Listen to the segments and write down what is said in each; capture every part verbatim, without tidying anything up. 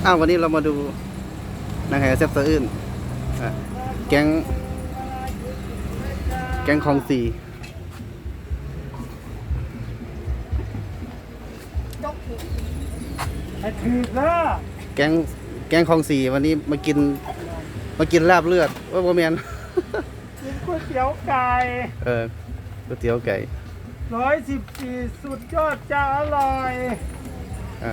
อ้าววันนี้เรามาดูนางแห่แซ่บสะอื้นอ่ะแก๊งแก๊งคลองสี่ไอ้ถือเด้อแก๊งแก๊งคลองสี่วันนี้มากินมากินลาบเลือดว่าโมเมนกินก๋วยเตี๋ยวไก่เออก๋วยเตี๋ยวไก่ร้อยสิบสี่สุดยอดจะอร่อยอ่า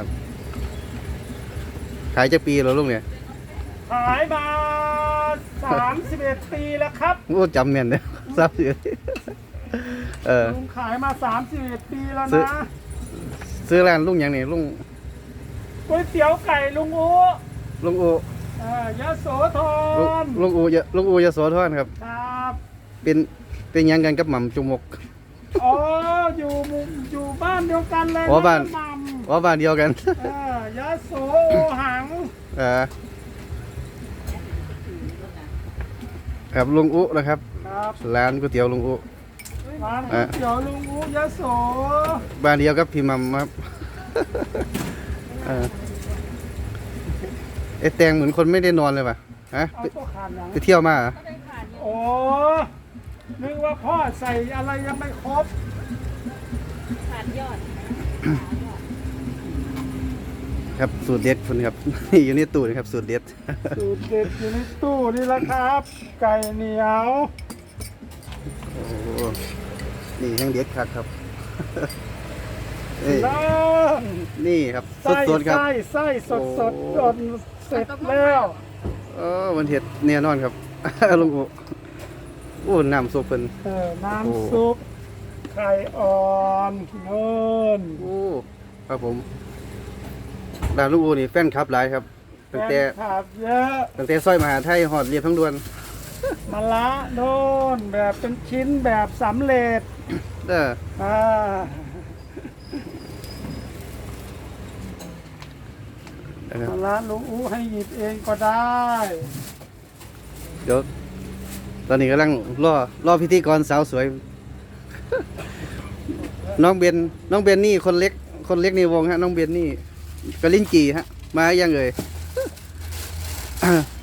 ขายจะปีเหรอลุงเนี่ยขายมาสามสิบเอ็ดปีแล้วครับโอ้จำแม่นเลยทราบอยู่เออลุงขายมาสามสิบเอ็ดปีแล้วซื้อนะซื้อร้านลุงอย่างนี้ลุงก๋วยเตี๋ยวไก่ลุงอูลุงอูเอ่อยะโสธลุงรลุงอูยะลุงอูยะโสธรครับครับเป็นเป็นหยังกันกับหม่ำจุมกอ๋ออยู่หมู่อยู่บ้านเดียวกันเลยอ๋อบ้านมัมว่าบ้านเดียวกันเออยะโสโอหังเออครับลุงอุนะครับครับร้านก๋วยเตี๋ยวลุงอุร้านก๋วยเตี๋ยวลุงอูยะโสบ้านเดียวกับพี่มัมครับ เออไอแตงเหมือนคนไม่ได้นอนเลยป่ะฮะเอาไปตัวขาดหลังไปเที่ยวมาเหรอโอ้นึกว่าพ่อใส่อะไรยังไม่ครบขาดยอดครับสูตรเด็ดคุณครับ อยู่ในตู้นะครับสูตรเด็ดสูตรเด็ดอยู่ในตู้นี่แหละครับ ไก่เหนียวโอ้นี่แห้งเด็ดครับครับ นี่แล้วนี่ครับสไส้ดๆครับไส้ไส้สดสดโอ้จนเสร็จแล้วเออวันเห็ดแน่นอนครับ ลุงอุโอ้น้ำซุปเป็นเออโอ้น้ำซุปไข่อ่อนเนินโอ้ครับผมร้านลุงอูนี่แฟนคลับหลายครับตั้งแต่แฟนคลับเยอะตั้งแต่ซอยมหาไทยหอดเรียบทั้งดวนมะละโน่นแบบเป็นชิ้นแบบสำเร็จเด้ออ่านะครับมะละลุงอู้ให้หยิบเองก็ได้เดี๋ยวตอนนี้กำลังรอรอพิธีกรสาวสวย น้องเบนน้องเบนนี่คนเล็ก คนเล็กในวงฮะน้องเบนนี่กะลิ้นจีฮะ มายังเอ่ย